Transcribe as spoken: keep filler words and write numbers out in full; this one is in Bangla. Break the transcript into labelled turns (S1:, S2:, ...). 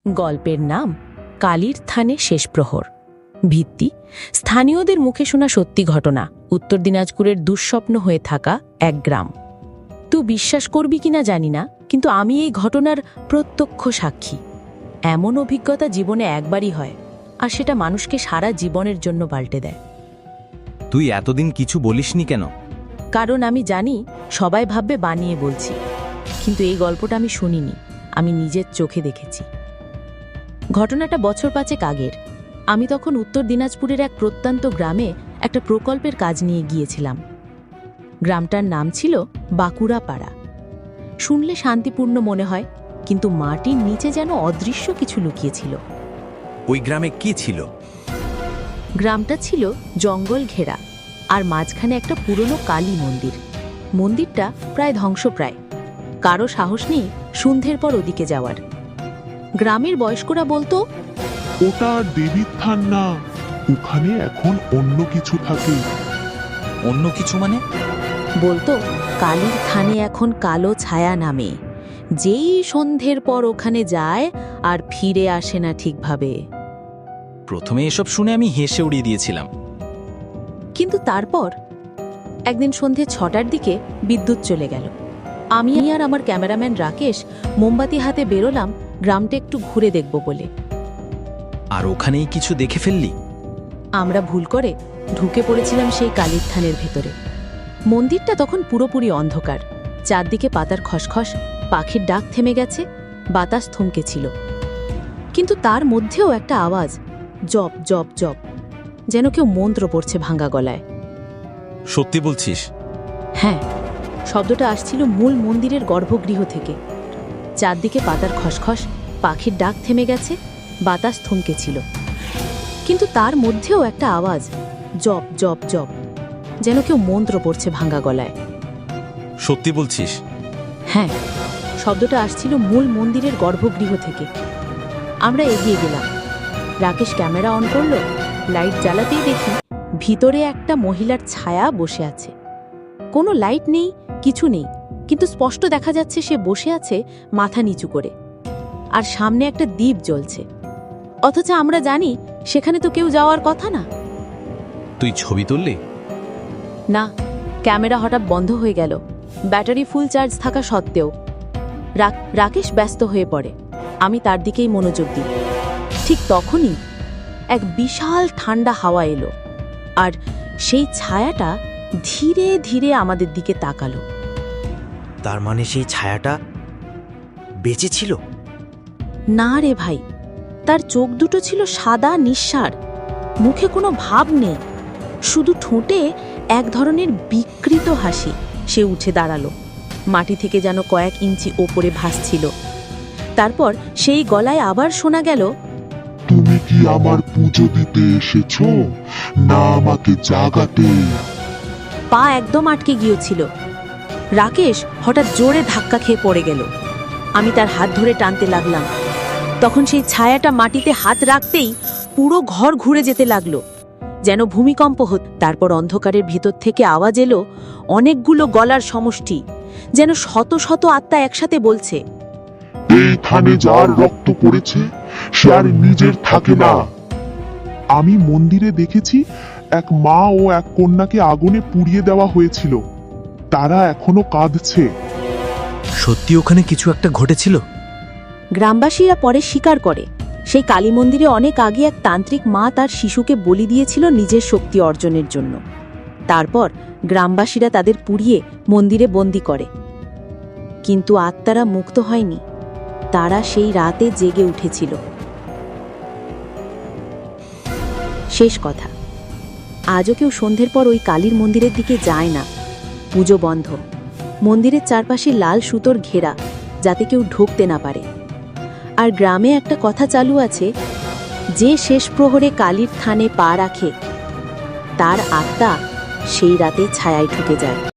S1: গল্পের নাম কালীর থানে শেষ প্রহর। ভিত্তি স্থানীয়দের মুখে শোনা সত্যি ঘটনা, উত্তর দিনাজপুরের দুঃস্বপ্ন হয়ে থাকা এক গ্রাম। তুই বিশ্বাস করবি কিনা জানি না, কিন্তু আমি এই ঘটনার প্রত্যক্ষ সাক্ষী। এমন অভিজ্ঞতা জীবনে একবারই হয়, আর সেটা মানুষকে সারা জীবনের জন্য পাল্টে দেয়।
S2: তুই এতদিন কিছু বলিসনি কেন?
S1: কারণ আমি জানি সবাই ভাববে বানিয়ে বলছি, কিন্তু এই গল্পটা আমি শুনিনি, আমি নিজের চোখে দেখেছি। ঘটনাটা বছর পাঁচেক আগের। আমি তখন উত্তর দিনাজপুরের এক প্রত্যন্ত গ্রামে একটা প্রকল্পের কাজ নিয়ে গিয়েছিলাম। গ্রামটার নাম ছিল বাঁকুড়া পাড়া। শুনলে শান্তিপূর্ণ মনে হয়, কিন্তু মাটির নিচে যেন অদৃশ্য কিছু লুকিয়েছিল।
S2: ওই গ্রামে কি ছিল?
S1: গ্রামটা ছিল জঙ্গল ঘেরা, আর মাঝখানে একটা পুরনো কালী মন্দির। মন্দিরটা প্রায় ধ্বংসপ্রায়, কারো সাহস নেই সন্ধ্যের পর ওদিকে যাওয়ার। গ্রামের বয়স্করা বলতো,
S3: ওটা দেবীর থান না, ওখানে এখন অন্য কিছু থাকে।
S2: অন্য কিছু মানে?
S1: বলতো কালীর থানে এখন কালো ছায়া নামে, যেই সন্ধ্যের পর ওখানে যায় আর ফিরে আসে না ঠিকভাবে।
S2: প্রথমে এসব শুনে আমি হেসে উড়িয়ে দিয়েছিলাম।
S1: কিন্তু তারপর একদিন সন্ধে ছটার দিকে বিদ্যুৎ চলে গেল। আমি আর আমার ক্যামেরাম্যান রাকেশ মোমবাতি হাতে বেরোলাম গ্রামটা একটু ঘুরে দেখব বলে।
S2: আর ওখানেই কিছু দেখে ফেললি?
S1: আমরা ভুল করে ঢুকে পড়েছিলাম সেই কালীর থানের ভেতরে। মন্দিরটা তখন পুরোপুরি অন্ধকার, চারদিকে পাতার খসখস, পাখির ডাক থেমে গেছে, বাতাস থমকেছিল। কিন্তু তার মধ্যেও একটা আওয়াজ, জপ জপ জপ, যেন কেউ মন্ত্র পড়ছে ভাঙা গলায়।
S2: সত্যি বলছিস?
S1: হ্যাঁ, শব্দটা আসছিল মূল মন্দিরের গর্ভগৃহ থেকে। চারদিকে পাতার খসখস, পাখির ডাক থেমে গেছে, বাতাস থমকেছিল। কিন্তু তার মধ্যেও একটা আওয়াজ, জপ জপ জপ, যেন কেউ মন্ত্র পড়ছে ভাঙা গলায়।
S2: সত্যি বলছিস?
S1: হ্যাঁ, শব্দটা আসছিল মূল মন্দিরের গর্ভগৃহ থেকে। আমরা এগিয়ে গেলাম। রাকেশ ক্যামেরা অন করল। লাইট জ্বালাতেই দেখি ভিতরে একটা মহিলার ছায়া বসে আছে। কোনো লাইট নেই, কিছু নেই, কিন্তু স্পষ্ট দেখা যাচ্ছে সে বসে আছে মাথা নিচু করে, আর সামনে একটা দ্বীপ জ্বলছে। অথচ আমরা জানি সেখানে তো কেউ যাওয়ার কথা না।
S2: তুই ছবি তুললি?
S1: না, ক্যামেরা হঠাৎ বন্ধ হয়ে গেল, ব্যাটারি ফুল চার্জ থাকা সত্ত্বেও। রাকেশ ব্যস্ত হয়ে পড়ে, আমি তার দিকেই মনোযোগ দিই। ঠিক তখনই এক বিশাল ঠান্ডা হাওয়া এলো, আর সেই ছায়াটা ধীরে ধীরে আমাদের দিকে তাকালো।
S4: তার মানে সেই ছায়াটা বেঁচে ছিল?
S1: না রে ভাই, তার চোখ দুটো ছিল সাদা নিঃসার, মুখে কোনো ভাব নেই, শুধু ঠোঁটে এক ধরনের বিকৃত হাসি। সে উঠে দাঁড়ালো, মাটি থেকে যেন কয়েক ইঞ্চি ওপরে ভাসছিল। তারপর সেই গলায় আবার শোনা গেল,
S3: তুমি কি আমার পুজো দিতে এসেছো, না আমাকে জাগাতে?
S1: পা একদম আটকে গিয়েছিল। রাকেশ হঠাৎ জোরে ধাক্কা খেয়ে পড়ে গেল। আমি তার হাত ধরে টানতে লাগলাম। তখন সেই ছায়াটা মাটিতে হাত রাখতেই পুরো ঘর ঘুরে যেতে লাগলো, যেন ভূমিকম্প হত। তারপর অন্ধকারের ভিতর থেকে আওয়াজ এলো, অনেকগুলো গলার সমষ্টি, যেন শত শত আত্মা একসাথে বলছে,
S3: এই থানে যার রক্ত পড়েছে সে আর নিজের থাকে না। আমি মন্দিরে দেখেছি এক মা ও এক কন্যাকে আগুনে পুড়িয়ে দেওয়া হয়েছিল, তারা এখনো কাঁদছে।
S2: সত্যি ওখানে কিছু একটা ঘটেছিল?
S1: গ্রামবাসীরা পরে স্বীকার করে, সেই কালী মন্দিরে অনেক আগে এক তান্ত্রিক মা তার শিশুকে বলি দিয়েছিল নিজের শক্তি অর্জনের জন্য। তারপর গ্রামবাসীরা তাদের পুড়িয়ে মন্দিরে বন্দি করে। কিন্তু আত্মারা মুক্ত হয়নি, তারা সেই রাতে জেগে উঠেছিল। শেষ কথা, আজও কেউ সন্ধ্যের পর ওই কালীর মন্দিরের দিকে যায় না। পুজো বন্ধ, মন্দিরের চারপাশে লাল সুতোর ঘেরা, যাতে কেউ ঢুকতে না পারে। আর গ্রামে একটা কথা চালু আছে, যে শেষ প্রহরে কালীর থানে পা রাখে তার আত্মা সেই রাতে ছায়ায় ঢুকে যায়।